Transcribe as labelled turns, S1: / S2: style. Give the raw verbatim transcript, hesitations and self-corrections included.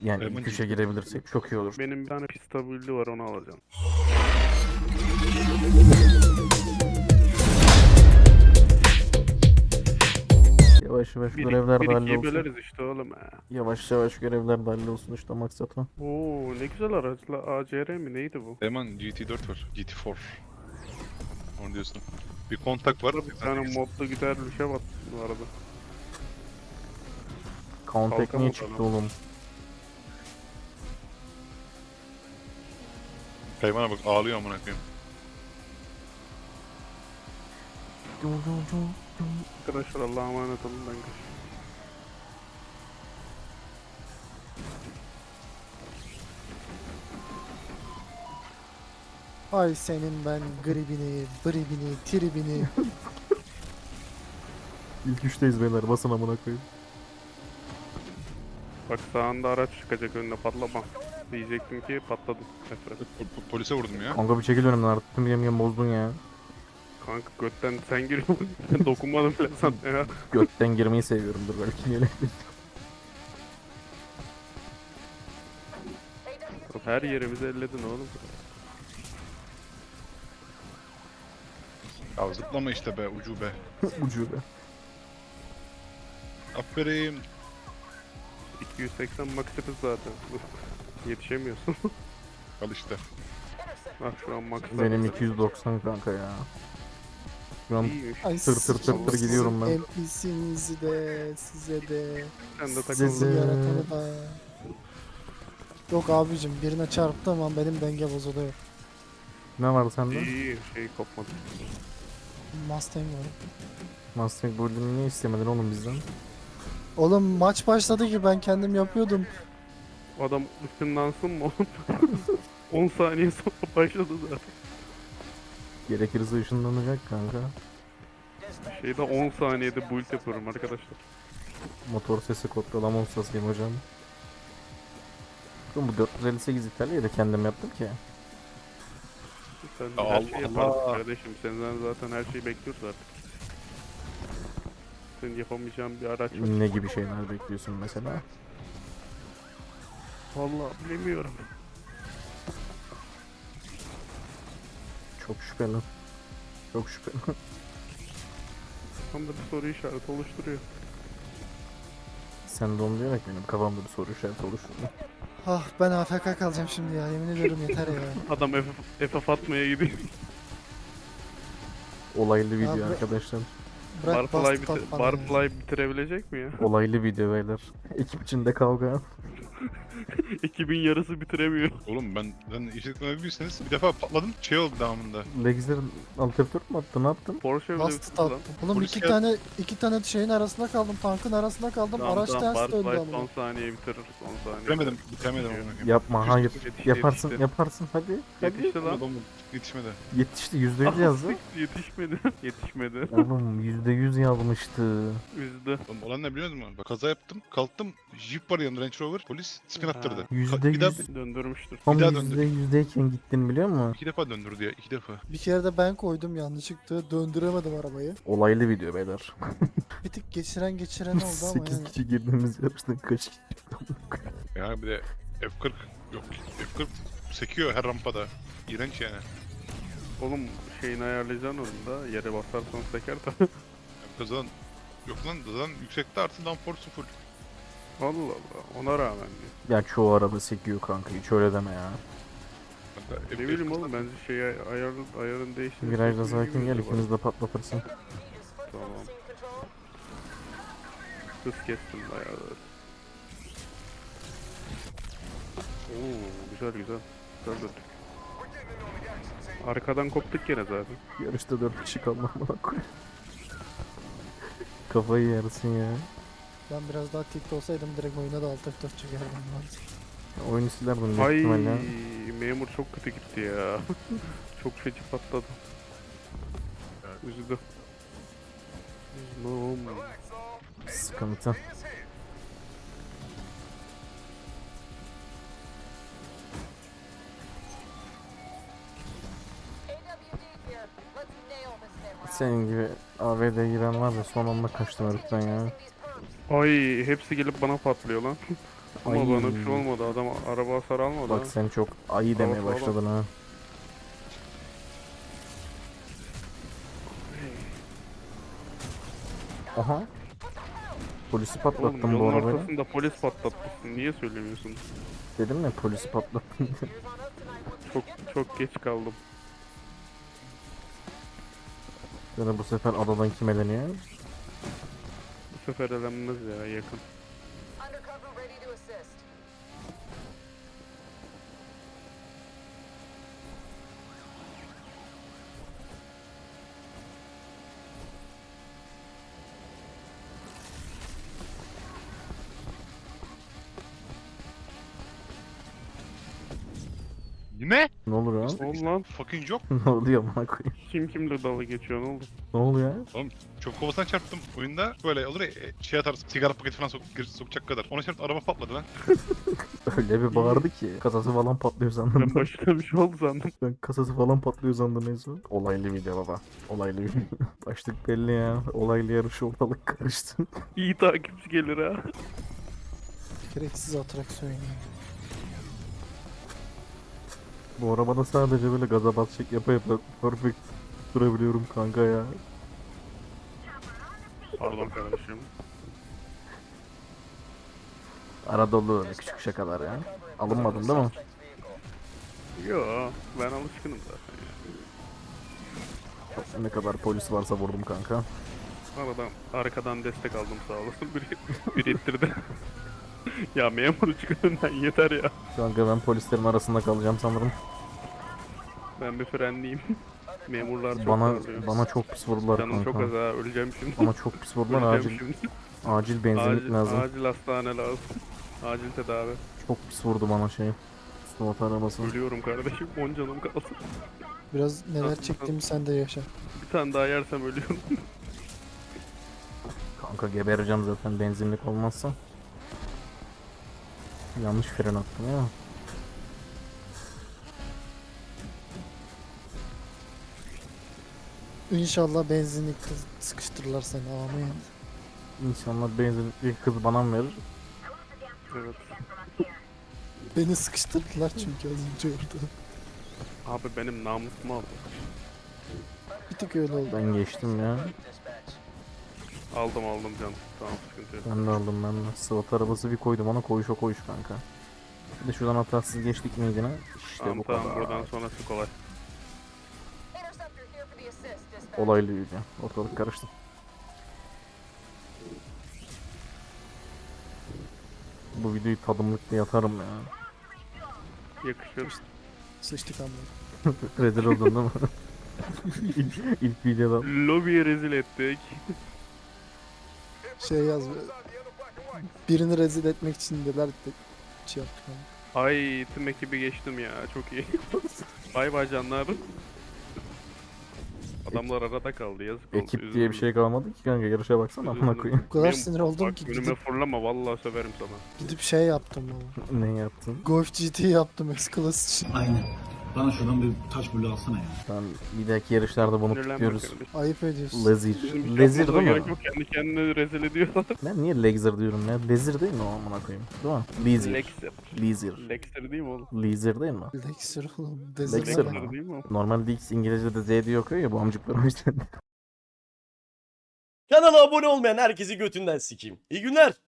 S1: Yani ilk
S2: Diamond
S1: üçe girebilirsek çok iyi olur.
S3: Benim bir tane pista build'i var, onu alacağım.
S1: Yavaş yavaş
S3: Bir,
S1: görevler
S3: bir
S1: de
S3: ikiyi
S1: hallolsun.
S3: böleriz işte oğlum ha.
S1: Yavaş yavaş görevler de hallolsun işte maksat o.
S3: Oo ne güzel araçla, A C R mi neydi bu?
S2: Hemen G T dört var. G T dört. Onu diyorsun. Bir kontak var.
S3: Bir tane modlu güzel bir şey var bu arada.
S1: Count
S3: Kalkan
S1: niye
S3: oldu
S1: çıktı
S3: adam.
S1: oğlum?
S2: Hayvana bak ağlıyor amına koyayım.
S3: Arkadaşlar Allah'a emanet olun, ben kaçıyorum.
S4: Ay senin ben gribini, bribini, tribini.
S1: İlk üçteyiz beyler, basın amına koyayım.
S3: Bak sağında araç çıkacak, önüne patlama. Diyecektim ki patladım. Nefret.
S2: Po- po- polise vurdum ya.
S1: Kanka bir çekil önümden artık, tüm yem yem bozdun ya.
S3: Kanka götten sen giriyorsun. Ben dokunmadım bile sana ya.
S1: Gökten girmeyi seviyorumdur belki niye öyle.
S3: Her yerimizi elledin oğlum.
S2: Ya zıplama işte be ucube.
S1: Ucube.
S2: Aferin.
S3: iki yüz seksen max hız zaten. Yetişemiyorsun.
S2: Al işte.
S3: Bak şu an max.
S1: Benim iki yüz doksan kanka ya. Şu an
S3: İyiymiş.
S4: Ay
S1: Tır tır tır tır
S4: sizin
S1: gidiyorum ben.
S4: N P C'nizi de size de
S3: Sen de
S1: Size-
S3: takıldın.
S4: yaratanı da. Yok abicim, birine çarptığım an benim denge bozuluyor.
S1: ne var sende?
S3: İyi şey kopmadı.
S4: Mustang var.
S1: Mustang Golden'ı niye istemedin oğlum bizden?
S4: Oğlum maç başladı ki ben kendim yapıyordum.
S3: Adam ışınlansın mı oğlum? on saniye sonra başladı zaten.
S1: Gerekirse ışınlanacak kanka.
S3: Şeyde on saniyede build yapıyorum arkadaşlar.
S1: Motor sesi kontrol ama ustasıyım hocam. Oğlum bu dört yüz elli sekiz İtalya'yı da kendim yaptım ki.
S3: Sen
S2: Allah
S3: her şeyi yaparsın
S2: Allah.
S3: kardeşim. Senden zaten her şeyi bekliyoruz artık. Senin yapamayacağın bir araç var.
S1: Ne gibi şeyler bekliyorsun mesela?
S3: Vallahi bilemiyorum.
S1: Çok şüpheli. Çok şüpheli.
S3: Tam da bir soru işareti oluşturuyor.
S1: Sen de onu diyerek benim kafamda bir soru işareti oluşturdu.
S4: Ah ben A F K kalacağım şimdi ya, yemin ediyorum yeter ya.
S3: Adam F F F atmaya gidiyor.
S1: Olaylı video
S4: Abi-
S1: arkadaşlar.
S4: Bırak
S3: Barfly,
S4: bastı
S3: bitir
S4: bana ya.
S3: Barfly bitirebilecek mi ya?
S1: Olaylı video beyler. Ekip içinde kavga.
S3: Ekibin yarısı bitiremiyor.
S2: Oğlum ben ben işletme büyüyseniz bir defa patladım şey oldu devamında.
S1: Lexer'in alternatör mü attın? Ne yaptın?
S3: Porsche bile
S4: Bastı
S3: bitirdi
S4: tattı.
S3: lan.
S4: Oğlum
S2: Polis
S4: iki
S2: gel-
S4: tane iki tane şeyin arasında kaldım, tankın arasında kaldım.
S3: Tamam,
S4: Araç
S3: tamam,
S4: ters döndü
S3: Barfly
S4: ama.
S3: son saniye bitirir. Son saniye.
S2: Bitiremedim. Bitiremedim amına koyayım.
S1: Yapma, hayır.
S3: Yetişti,
S1: Yaparsın,
S3: yetişti.
S1: yaparsın. Hadi. Hadi.
S3: Yetişti lan.
S2: Adamın yetişmedi.
S1: Yetişti. Yüzde yüz
S3: Ah,
S1: yazdı.
S3: siktir, Yetişmedi. Yetişmedi.
S1: Oğlum yüzde yüz yazmıştı.
S3: Üzdü.
S2: Oğlum olan ne biliyor musun? Bak kaza yaptım. Kalktım. Jeep var yanında Range Rover. Polis spin
S3: Ha.
S2: attırdı.
S1: Yüzde
S2: Ka- bir daha
S1: yüz.
S3: Döndürmüştür.
S1: Tam
S2: daha
S1: yüzde yüzdeyken gittin biliyor musun?
S2: iki defa döndürdü ya. iki defa.
S4: Bir kere de ben koydum yanlışlıkla, döndüremedim arabayı.
S1: Olaylı video beyler.
S4: Bir tık geçiren geçiren oldu ama
S1: sekiz
S4: yani.
S1: kişi girdiğimiz yarıştan kaç kişi?
S2: Ya bir de F kırk yok. F kırk sekiyor her rampada. İğrenç yani.
S3: Oğlum şeyini ayarlayacaksın onun da. Yere basarsan seker tabi.
S2: Yani kazadan yok lan kazadan yüksekte artı downforce full.
S3: Allah Allah. Ona rağmen diyor.
S1: Ya çoğu araba sekiyor kanka, hiç öyle deme ya.
S2: Kanka, F-
S3: Ne bileyim
S2: F kırk
S3: oğlum, bence şey ayarın, ayarın değiştiğini.
S1: Virajda sakin gel, ikimiz de patlatırsın.
S3: Tamam. Hız kestim bayağı. Oo güzel güzel. Güzel döndük. Arkadan koptuk gene zaten.
S1: Yarışta dört kişi kalmam bana koy. Kafayı yersin ya.
S4: Ben biraz daha tilt olsaydım direkt oyuna da alt F dört çekerdim.
S1: Oyunu silerdim büyük
S3: Ay
S1: ihtimalle.
S3: memur çok kötü gitti ya. Çok feci patladı. Üzdü. Üzmüm.
S1: Sıkıntı. Senin gibi A V D giren var ya, son anda kaçtım heriften ya.
S3: Ay hepsi gelip bana patlıyor lan. Ama
S1: Ay.
S3: bana bir şey olmadı. Adam araba hasar almadı.
S1: Bak
S3: ha.
S1: sen çok ayı demeye
S3: Tamam, tamam.
S1: başladın ha. Aha. Polisi
S3: Oğlum
S1: patlattım bu
S3: yolun
S1: arabayla.
S3: ortasında polis patlatmışsın. Niye söylemiyorsun?
S1: Dedim mi polisi patlattım.
S3: Çok çok geç kaldım.
S1: Yani bu sefer adadan kim eleniyor?
S3: Bu sefer elenmez ya yakın.
S5: Undercover ready to assist.
S2: Yine?
S1: Ne oluyor lan?
S3: Ne oldu lan?
S2: Fucking job.
S1: Ne oluyor bana koyayım?
S3: Kim kimle dalga geçiyor ne oldu?
S1: Ne oluyor?
S2: Çöp kovasına çarptım oyunda. Böyle olur ya e, şey atarsın sigara paketi falan sok, gir- sokacak kadar. Ona çarptı araba patladı lan.
S1: Öyle bir bağırdı ki. Kasası falan patlıyor sandım.
S3: Ben başına bir şey oldu sandım.
S1: Ben kasası falan patlıyor sandım en son. Olaylı video baba. Olaylı video. Başlık belli ya. Olaylı yarışı ortalık karıştı.
S3: İyi takipçi gelir ha.
S4: Gereksiz atraksiyon yani.
S1: Bu arabada sadece böyle gaza basacak yapa yapa perfect durabiliyorum kanka ya.
S3: Pardon kardeşim.
S1: Arada olur öyle küçük şakalar ya. Alınmadın değil mi?
S3: Yo ben alışkınım zaten ya.
S1: Ne kadar polis varsa vurdum kanka.
S3: Aradan arkadan destek aldım sağ olasın. Biri, biri ittirdi. Ya memur çık önünden yeter ya.
S1: Kanka ben polislerin arasında kalacağım sanırım.
S3: Ben bir frenliyim. Memurlar çok
S1: Bana
S3: darlıyor.
S1: bana çok pis vurdular
S3: Canım çok az
S1: kanka.
S3: ha öleceğim şimdi.
S1: Bana çok pis vurdular
S3: Öleceğim
S1: acil.
S3: şimdi.
S1: Acil benzinlik
S3: Acil,
S1: lazım.
S3: acil hastane lazım. Acil tedavi.
S1: Çok pis vurdu bana şey. Slot arabası.
S3: Ölüyorum kardeşim. on canım kaldı.
S4: Biraz neler
S3: Nasıl-
S4: çektiğimi sen de yaşa.
S3: Bir tane daha yersem ölüyorum.
S1: Kanka gebereceğim zaten benzinlik olmazsa. Yanlış fren attım ya.
S4: İnşallah benzinlik kız sıkıştırırlar seni amin.
S1: İnşallah benzinlikli kız bana mı verir?
S3: Evet.
S4: Beni sıkıştırdılar çünkü az önce orada.
S3: Abi benim namusumu aldı.
S4: Bir tık öyle oldu.
S1: Ben geçtim ya.
S3: Aldım aldım canım. Tamam sıkıntı yok.
S1: Ben de aldım ben de. Slot arabası bir koydum ona koyuş o koyuş kanka. Bir de şuradan hatasız geçtik miydi ne? İşte
S3: Tamam
S1: bu
S3: tamam
S1: kadar.
S3: buradan sonrası kolay.
S5: Interceptor here for the assist. Dispatch.
S1: Olaylı video. Ortalık karıştı. Bu videoyu tadımlıkta yatarım ya.
S3: Yakışır.
S4: Sıçtık amma.
S1: Rezil oldun değil mi? ilk, ilk videoda.
S3: Lobiyi rezil ettik.
S4: Şey yaz. Birini rezil etmek için neler de şey yaptık ama.
S3: Ay tüm ekibi geçtim ya çok iyi. Bay bay canlar. Adamlar arada kaldı yazık oldu.
S1: Ekip diye bir
S3: üzüldüm.
S1: şey kalmadı ki kanka yarışa baksana amına
S3: Üzüldüm.
S1: koyayım.
S4: O kadar
S3: Benim-
S4: sinir oldum
S3: Bak
S4: ki
S3: önüme
S4: gidip,
S3: fırlama vallahi söverim sana.
S4: gidip şey yaptım ama.
S1: Ne yaptın?
S4: Golf G T yaptım S-Class için.
S6: Aynen. Bana şuradan bir taş bulu alsana ya.
S1: Tamam bir dahaki yarışlarda bunu
S3: Sinirlenme
S1: tutuyoruz.
S3: kardeşim.
S4: Ayıp ediyorsun.
S1: Lezir.
S3: Bizim hiç
S1: Lezir
S3: yapmamıza
S1: değil
S3: gerek
S1: mi?
S3: yok, kendi kendine rezil ediyorlar.
S1: Ben niye Lezir diyorum ya? Lezir değil mi o amına koyayım? Değil mi? Lezir.
S3: Lexer.
S1: Lezir.
S3: Lexer değil mi oğlum?
S1: Lezir değil mi?
S4: Lexer oğlum.
S1: Lexer
S4: Dezirler
S1: mi?
S4: var.
S3: Lexer değil mi o?
S1: Normalde X İngilizce'de Z diye okuyor ya bu amcıklar o yüzden.
S7: Kanala abone olmayan herkesi götünden sikeyim. İyi günler.